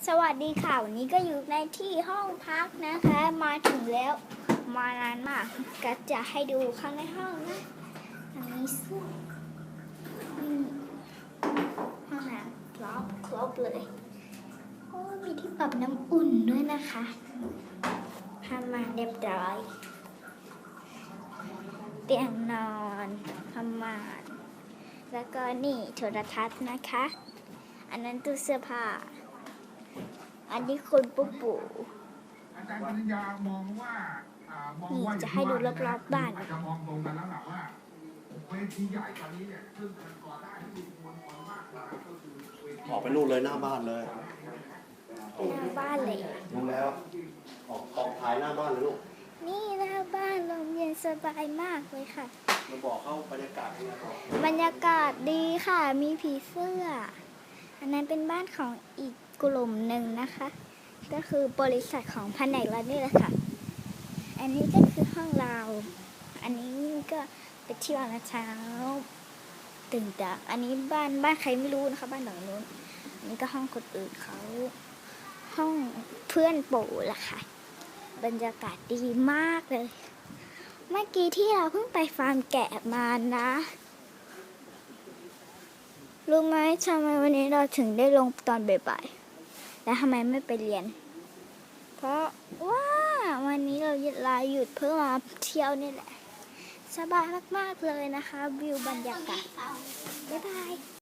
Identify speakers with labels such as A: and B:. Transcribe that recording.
A: สวัสดีค่ะวันนี้ก็อยู่ในที่ห้องพักนะคะมาถึงแล้วมานานมากก็จะให้ดูข้างในห้องนะอันนี้ซึ่งห้องน้ำครบเลยโอ้มีที่ปรับน้ำอุ่นด้วยนะคะทำมาเรียบร้อยเตียงนอนผ้าม่านแล้วก็นี่โทรทัศน์นะคะอันนั้นตู้เสื้อผ้าอันนี้คุณปู่
B: อาจารย์ปริญญามองว่า
A: นี่จะให้ดูรอบๆบ้าน
B: จะมองตรงกันแล้วแหละว่าเวทีใหญ่ตอนนี้เนี่ยซึ่งมันก่อได้ที่มวลชนมากกว่าก็คือเวที
C: ออกไปนู่นเลยหน้าบ้านเลย
A: หน้าบ้านเลย
C: รู้แล้ว ออกถ่ายหน้าบ้านเลยลูก
A: นี่หน้าบ้านลมเย็นสบายมากเลยค่ะ
C: มาบอกเข้าบรรยากาศยังไงบอก
A: บรรยากาศดีค่ะ มีผีเสื้อ อันนั้นเป็นบ้านของอีกกลุ่มหนึ่งนะคะ ก็คือบริษัทของแผนกเรานี่แหละค่ะ อันนี้ก็คือห้องเรา อันนี้ก็ไปเที่ยวนะเช้าตื่นจากอันนี้บ้านใครไม่รู้นะคะ บ้านหลังนู้นอันนี้ก็ห้องคนอื่นเขาห้องเพื่อนปู่ล่ะค่ะ บรรยากาศดีมากเลย เมื่อกี้ที่เราเพิ่งไปฟาร์มแกะมานะรู้ไหมทำไมวันนี้เราถึงได้ลงตอนบ่ายๆและทำไมไม่ไปเรียน เพราะว่าวันนี้เราลาหยุดเพื่อมาเที่ยวนี่แหละ สบายมากๆเลยนะคะ วิวบรรยากาศบ๊ายบาย